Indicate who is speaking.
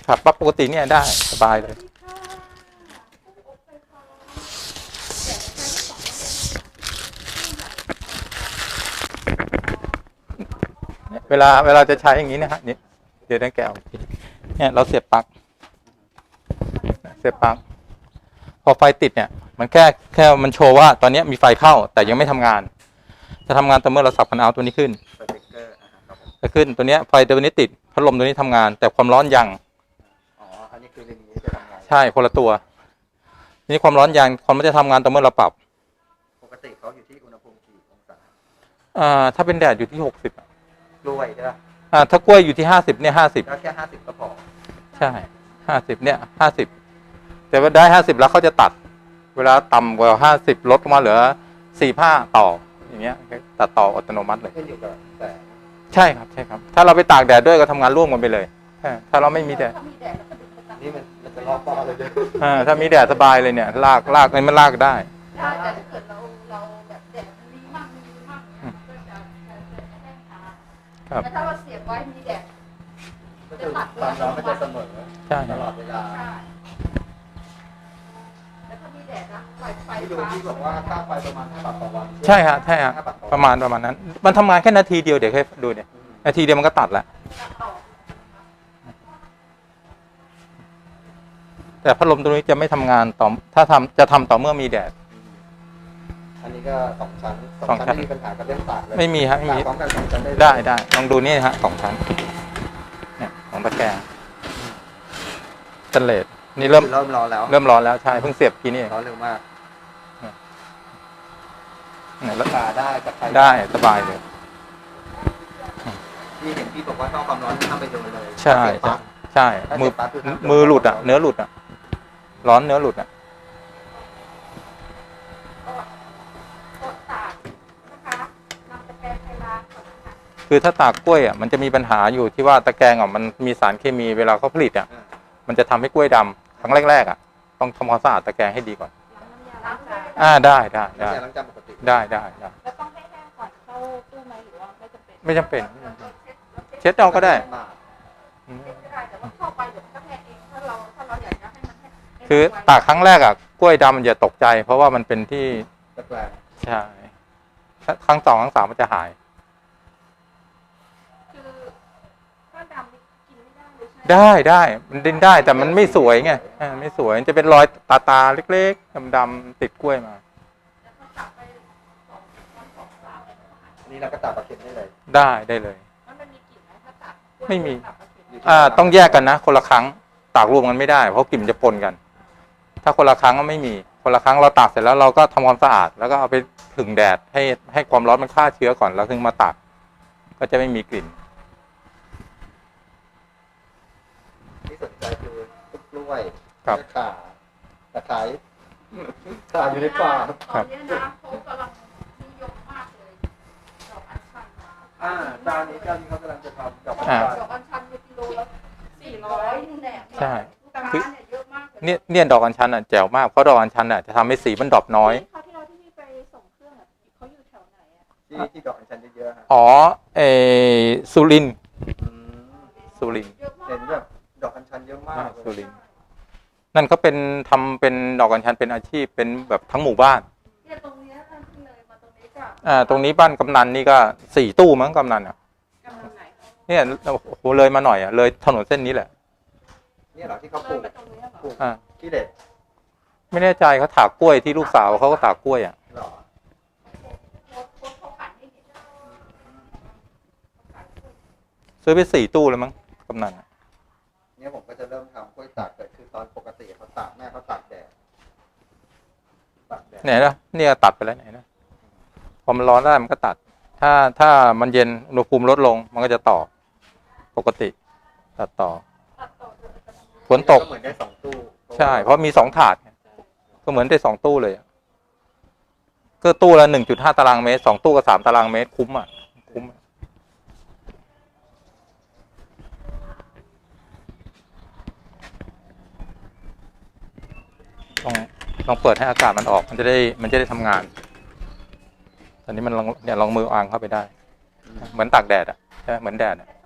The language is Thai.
Speaker 1: ขับปั๊บปกติเนี่ยได้สบายเลยเวลาจะใช้อย่างนี้นะฮะนี่เดี๋ยวได้แกะเนี่ยเราเสียบปลั๊กพอไฟติดเนี่ยมันแค่มันโชว์ว่าตอนนี้มีไฟเข้าแต่ยังไม่ทำงานจะทำงานต่อเมื่อเราสับคันเอาท์ตัวนี้ขึ้นจะขึ้นตัวนี้ไฟตัวนี้ติดพัดลมตัวนี้ทำงานแต่ความร้อนยัง
Speaker 2: อันนี้คืออย่างนี้จะทำงาน
Speaker 1: ใช่คนละตัวนี่ความร้อนยังความมันจะทำงานต่อเมื่อเราปรับ
Speaker 2: ปกติเขาอยู่ที่อุณหภูมิกี่องศา
Speaker 1: ถ้าเป็นแดดอยู่ที่60
Speaker 2: กล้วยใช่ไหม
Speaker 1: ถ้ากล้วยอยู่ที่50เนี่ย50
Speaker 2: แล้วแค่50ก็พอ
Speaker 1: ใช่50เนี่ย50แต่ว่าได้50แล้วเขาจะตัดเวลาต่ำกว่า50ลดลงมาเหลือ45ต่ออย่างเงี้ยตัดต่ออัตโนมัติเลย
Speaker 2: ขึ้นอยู่กับแต่
Speaker 1: ใช่ครับถ้าเราไปตากแดดด้วยก็ทำงานร่วมกันไปเลยถ้าเราไม่มีแดด
Speaker 2: นี่มันจะลอกป้อเลย
Speaker 1: ถ้ามีแดดสบายเลยเนี่ยลากมันลากได้
Speaker 3: แต่ถ้าเกิดเราแบบแดดมีมากก็จะแห้งช้าแต่ถ้าเราเสียบไว้มีแดด
Speaker 2: จะตัดความร้อนมันจะเสมอตลอดเวลา
Speaker 3: แล้วถ้ามีแดดนะไฟ
Speaker 2: ที่ดูที่บอกว่าค่าไฟประมาณ5 บาทต่อวัน
Speaker 1: ใช่ฮะประมาณนั้นมันทำงานแค่นาทีเดียวเดี๋ยวให้ดูเนี่ยนาทีเดียวมันก็ตัดแล้วแต่พัดลมตัวนี้จะไม่ทำงานต่อถ้าจะทำต่อเมื่อมีแดด
Speaker 2: อันนี้ก็2 ชั้นไม่มีปัญหากับเรื่องตากเลย
Speaker 1: ไม่มีครับไม่มี
Speaker 2: พร้อมกัน2 ชั้น
Speaker 1: ได้ลองดูนี่ฮะ2 ชั้นเนี่ยของตะแกรงสแตนเลสนี่เริ่ม
Speaker 2: ร้อน
Speaker 1: แล้วใช่เพิ่งเสียบกี้นี่
Speaker 2: ร้อนเร็วมาก
Speaker 1: แล้ว
Speaker 2: ได้กับใคร
Speaker 1: ได้สบายเลย
Speaker 2: ที่เห็นพี่บอกว่าท่อความร้อนทำไปโดนเลย
Speaker 1: ใช่มือหลุดเนื้อหลุดร้อนเนื้อหลุดคือถ้าตากกล้วยมันจะมีปัญหาอยู่ที่ว่าตะแกรงมันมีสารเคมีเวลาเขาผลิตมันจะทำให้กล้วยดำครั้งแรกต้องทำความสะอาดตะแกรงให้ดีก่อนได้
Speaker 2: แล้ว
Speaker 3: ต้องให้แห้งก่อนเข้าตู้ไหมหรือว่า
Speaker 1: ไม่จำเป็นเช็ดเอาก็ได้คือตากครั้งแรกกล้วยดำมันจะตกใจเพราะว่ามันเป็นที่ใช่ครั้ง2 ครั้ง 3มันจะหายได้มันดิ้นได้แต่มันไม่สวยไงไม่สวยจะเป็นรอยตาเล็กๆดำๆติดกล้วยมา
Speaker 2: นี่เราก็ตัดปลาเค็มได้เลย
Speaker 1: ได้เลยไม่มีต้องแยกกันนะคนละครั้งตากรวมกันไม่ได้เพราะกลิ่นจะปนกันถ้าคนละครั้งก็ไม่มีคนละครั้งเราตากเสร็จแล้วเราก็ทำความสะอาดแล้วก็เอาไปผึ่งแดดให้ความร้อนมันฆ่าเชื้อก่อนแล้วถึงมาตากก็จะไม่มีกลิ่น
Speaker 2: ที่สนใจคือกล้วยตะไคร้อยู่ในป่า
Speaker 3: ตอนนี้นะเขากำลังนิยมมากเลยดอกอัญชัน
Speaker 2: เจ้านี้เขากำลังจะทำดอก
Speaker 3: อัญชันกิโลละ400แหน
Speaker 1: ใช่
Speaker 3: คือเยอะมาก
Speaker 1: เนี่ยดอกอัญชันแจ๋วมากเพราะดอกอัญชันจะทำให้สีมันดรอปน้อย
Speaker 3: เขาที่พี่ไปส่งเครื่องเขาอยู่แถวไหน
Speaker 2: ที่ดอกอัญชันเยอะ
Speaker 1: ๆสุรินทร์
Speaker 2: เห็นแบบดอกอัญชันเยอะมาก
Speaker 1: สุรินทร์นั่นเขาทำเป็นดอกอัญชันเป็นอาชีพเป็นแบบทั้งหมู่บ้าน
Speaker 3: เนี่ยตรงนี้เลยมาตรงนี้
Speaker 1: ตรงนี้บ้านกำนันนี่ก็4 ตู้มั้งกำนันเนี่ยโอ้โหเลยมาหน่อยเลยถนนเส้นนี้แหละ
Speaker 2: เนี่ยเหรอที่เขาปลูกที่เด็ด
Speaker 1: ไม่แน่ใจเขาถากกล้วยที่ลูกสาวเขาก็ถากกล้วยซื้อไป4 ตู้เลยมั้งกำนัน
Speaker 2: เนี่ยผมก็จะเริ่มทำกล้วยตากแต่คือตอนปกติเขาตากแม่เขาตากแดด
Speaker 1: ไหนนะเนี่ยตัดไปแล้วไหนนะพอมันร้อนได้มันก็ตัดถ้ามันเย็นอุณหภูมิลดลงมันก็จะต่อปกติตัดต่อฝนตก
Speaker 2: เหมือนได้2 ตู้
Speaker 1: ใช่เพราะมี2 ถาดก็เหมือนได้2 ตู้เลยก็ตู้ละ 1.5 ตารางเมตร2 ตู้ก็3 ตารางเมตรคุ้มลองเปิดให้อากาศมันออกมันจะได้ทำงานตอนนี้มันลองมืออ่างเข้าไปได้เหมือนตากแดดใช่ไหมเหมือนแดด